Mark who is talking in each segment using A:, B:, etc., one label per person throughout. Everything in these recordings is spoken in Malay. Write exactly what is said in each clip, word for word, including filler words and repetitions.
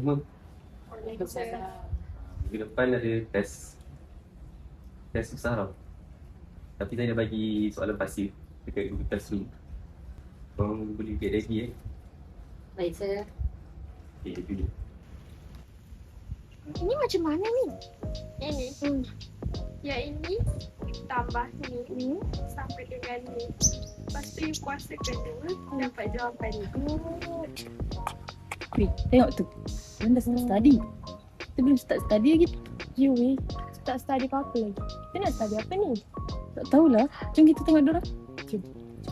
A: semua.
B: Waalaikumsalam.
A: Minggu depan ada test. Test susah tau. Tapi saya dah bagi soalan pasir dekat Google Classroom. Korang boleh get ready eh.
B: Baik, sir.
A: Okay, itu dia.
C: Ini macam mana ni?
D: Ini.
C: Hmm.
D: Yang ini tambah ni
C: Hmm.
D: sampai dengan ni. Lepas tu you kuasakan dua, dapat jawapan ni.
C: Oh.
B: Weh, tengok tu. Orang dah start study. Kita belum start study lagi.
C: You weh, tak study apa-apa lagi. Kita nak study apa ni?
B: Tak tahulah. Jom kita tengok dorang. Jom.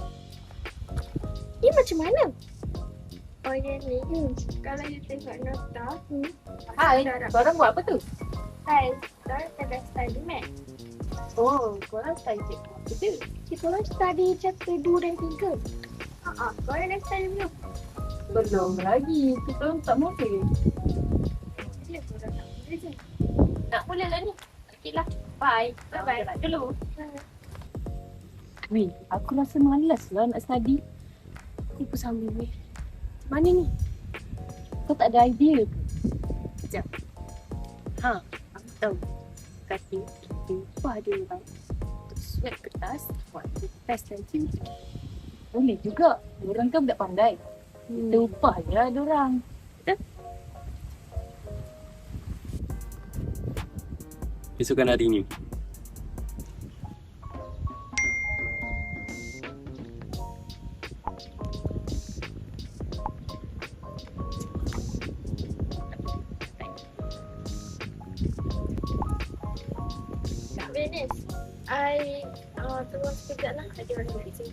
C: Ini macam mana?
D: Oh yang ni, hmm. kalau you tengok nota,
C: Hmm.
B: Hai,
D: darab.
B: korang buat apa tu?
D: Hai, korang kena study math.
B: Oh, korang study cikgu apa tu?
C: Kita orang study chapter dua dan tiga.
D: Haa, korang dah study belum?
B: Belum lagi. Tu korang tak mula.
D: Ya, korang nak boleh je.
B: Nak mula lah ni. Okey lah. Bye.
D: Bye-bye.
B: Jalan dulu.
D: Hmm.
B: Weh, aku rasa malas lah nak study.
C: Aku pun sama weh. Mana ni?
B: Kau tak ada idea ke? Sekejap. Ha, aku tahu. Kata kita upah dia orang untuk surat kertas buat test nanti. Boleh juga. Diorang kan budak pandai. Kita
C: Hmm.
B: upah je lah diorang.
A: Besokan hari ni.
D: Kak Venice, I uh, tunggu sekejap lah. Ada orang nak sini.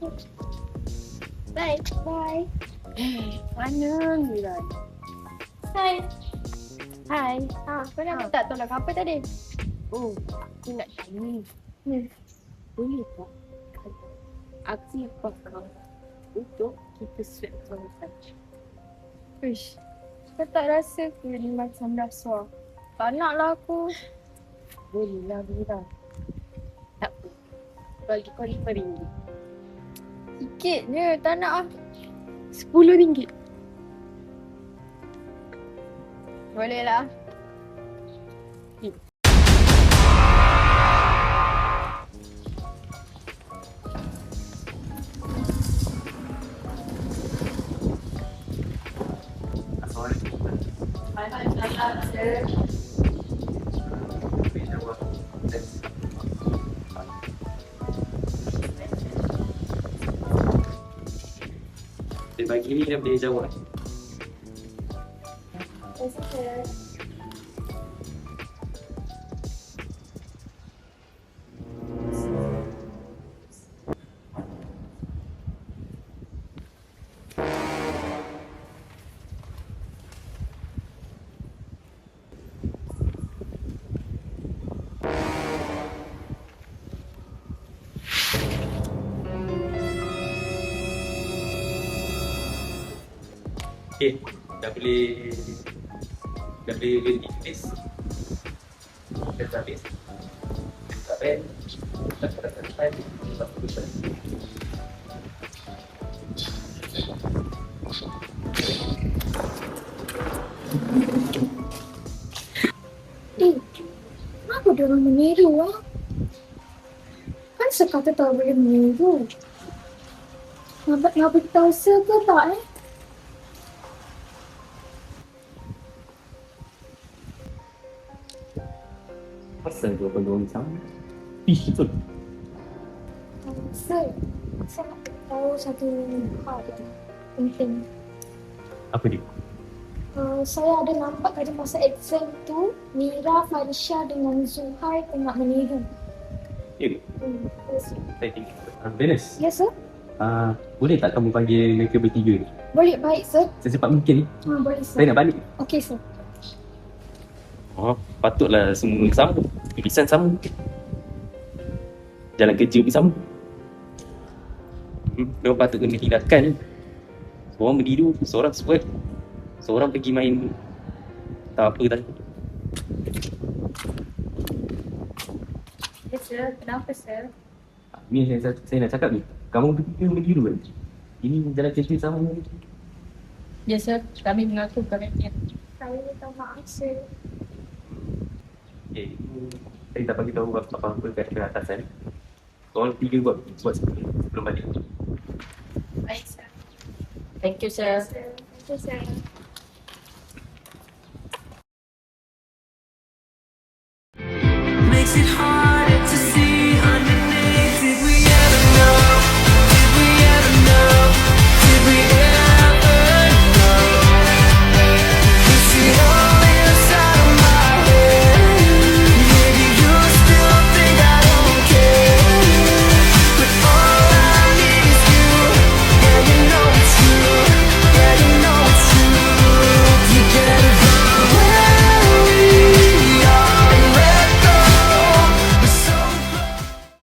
D: Bye.
C: Bye.
B: Mana ni lah?
D: Hai.
C: Hai.
D: Ha, kau nak
C: Ha.
D: minta tolong apa tadi?
B: Oh, aku nak tanya.
C: Hmm.
B: Boleh tak kalau aku upah kau untuk kita swap kawasan?
C: Uish. Kau tak rasa ke ni macam rasuah? Tak naklah aku.
B: Boleh lah, Mira. Tak apa. Bagi kau lima ringgit.
C: Sikit je. Tak nak ah.
B: Sepuluh ringgit.
C: Boleh lah.
A: Assalamualaikum. Boleh jawab test. Dia bagi ni dia boleh jawab.
D: Terima kasih.
A: Okay, dah boleh dah boleh berhenti tulis. Dah dah habis. Tak payah. Tak tak tak tak. Tak tulis.
C: Eh, kenapa dia orang meniru ah? Kan sekata tak boleh meniru. Nak nak beritahu saya ke tak eh?
A: Pasal dua peluang sama. Ih, betul.
C: Sir, saya nak tahu satu hal yang penting.
A: Apa dia?
C: Uh, saya ada nampak tadi masa exam tu, Mira, Farisha dengan Zuhai tengah meniru.
A: Ya,
C: Hmm. Yes,
A: saya tinggal. Uh, Venus,
C: yes sir?
A: uh, boleh tak kamu panggil mereka bertiga ni?
C: Boleh, baik sir.
A: Secepat mungkin ni.
C: Ha, boleh sir.
A: Saya nak balik.
C: Okey sir.
A: Oh, patutlah semua sama. Tulisan sama. Jalan kerja pun sama. Hmm, mereka patut kena tindakan ni. Seorang berdiri, seorang sweat, seorang pergi main tak apa tadi.
C: Yes sir, kenapa sir?
A: Ni saya, saya nak cakap ni. Kamu bertiga berdiri kan? Ini jalan kerja sama.
B: Ya, sir. Kami mengaku kerana
C: Saya minta maaf, sir.
A: Okay. Saya tak bagi tahu apa-apa kat pihak atasan. Korang tiga buat buat sebelum balik.
B: Baik, sir. Thank you, sir.
C: Sir, thank you, sir.